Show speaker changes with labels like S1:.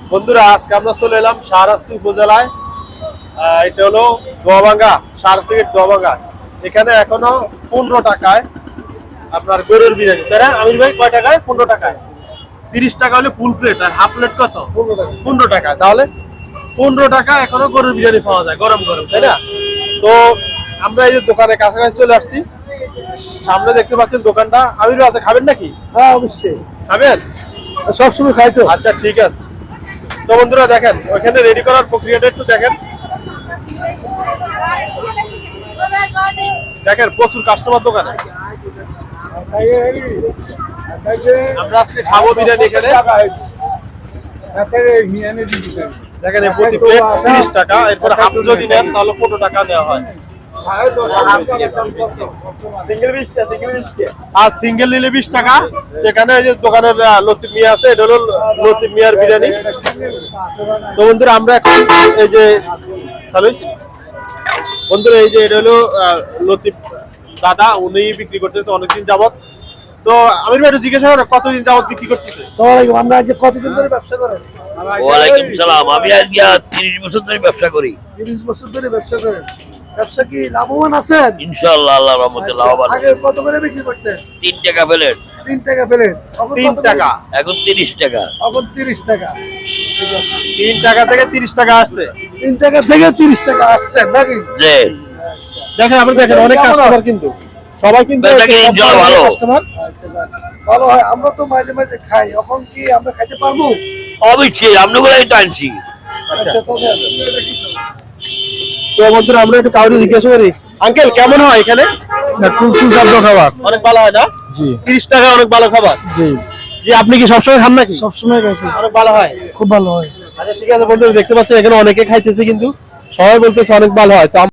S1: বন্ধুরা আজকে আমরা চলে এলাম শাহরাস্তি উপজেলায়। এটা হলো দোয়াবাঙ্গা, শাহরাস্তি গেট দোয়াবাঙ্গা। এখানে এখনো 15 টাকায় আপনার গরুর বিরিয়ানি, তাই না আমির ভাই? কয় টাকায়? 15 টাকায়। 30 টাকা হলে ফুল প্লেট, আর হাফ প্লেট কত? 15 টাকা। তাহলে 15 টাকা এখনো গরুর বিরিয়ানি পাওয়া যায় গরম গরম, তাই না? তো আমরা এই যে দোকানে কাছাকাছি চলে আসছি, সামনে দেখতে পাচ্ছেন দোকানটা। আমির ভাই আছে, খাবেন নাকি?
S2: হ্যাঁ অবশ্যই
S1: খাবেন?
S2: সবসময় খাই তো।
S1: আচ্ছা ঠিক আছে। তো বন্ধুরা দেখেন ওইখানে রেডি করার প্রক্রিয়াটা একটু দেখেন। দেখেন প্রচুর কাস্টমার দোকানে। আমরা আজকে খাবো বিরিয়ানি এখানে। দেখেন এই প্রতি প্লেট 30 টাকা, এরপর হাফ যদি নেন তাহলে 15 টাকা নেওয়া হয়। আর সিঙ্গেল নিলে 20 টাকা। এখানে এই যে দোকানের লতিফ মিয়া আছে, এটা হলো লতিফ মিয়ার বিরিয়ানি। তো বন্ধুরা আমরা এখন এই যে বন্ধুরা এই যে এটা হলো লতিফ দাদা, উনি বিক্রি করতেছে অনেকদিন যাবত। তো আমির ভাই জিজ্ঞাসা করেন কতদিন যাবত বিক্রি করতেছে?
S2: আমরা আজকে কতদিন ধরে ব্যবসা করেন?
S3: ওয়ালাইকুম সালাম। আমি আজকে 30 বছর ধরে ব্যবসা করি।
S2: 30 বছর ধরে ব্যবসা করেন। ব্যবসা কি লাভবান আছেন?
S3: ইনশাআল্লাহ আল্লাহর রহমতে লাভবান।
S2: আগে কত করে বিক্রি করতেন?
S3: 3 টাকা প্লেট।
S2: 3 টাকা প্লেট। এখন
S1: 3 টাকা।
S3: এখন 30 টাকা।
S2: এখন 30 টাকা।
S1: 3 টাকা থেকে 30 টাকা আসছে।
S2: 3 টাকা থেকে 30 টাকা আসছে নাকি?
S3: জি।
S1: দেখেন আপনি দেখেন অনেক কাস্টমার, কিন্তু সবাই কিন্তু
S3: ভালো
S1: কাস্টমার।
S2: আচ্ছা ভালো হয়। আমরা তো মাঝে মাঝে খাই, এখন কি আমরা খাইতে পারবো?
S3: অবশ্যই আপনাগুলাই তো আনছি।
S1: আচ্ছা
S2: তো
S1: তো বন্ধুরা আমরা একটু কাউকে জিজ্ঞাসা করি, আঙ্কেল কেমন হয় এখানে?
S2: খুব সুস্বাদু খাবার।
S1: অনেক ভালো হয় না?
S2: জি
S1: 30 টাকা অনেক ভালো খাবার।
S2: জি
S1: জি আপনি কি সবসময় খান নাকি?
S2: সবসময় খাই।
S1: অনেক ভালো হয়।
S2: খুব ভালো হয়।
S1: আচ্ছা ঠিক আছে বন্ধুরা, দেখতে পাচ্ছেন এখানে অনেকে খাইতেছে, কিন্তু সবাই বলতেছে অনেক ভালো হয়। তো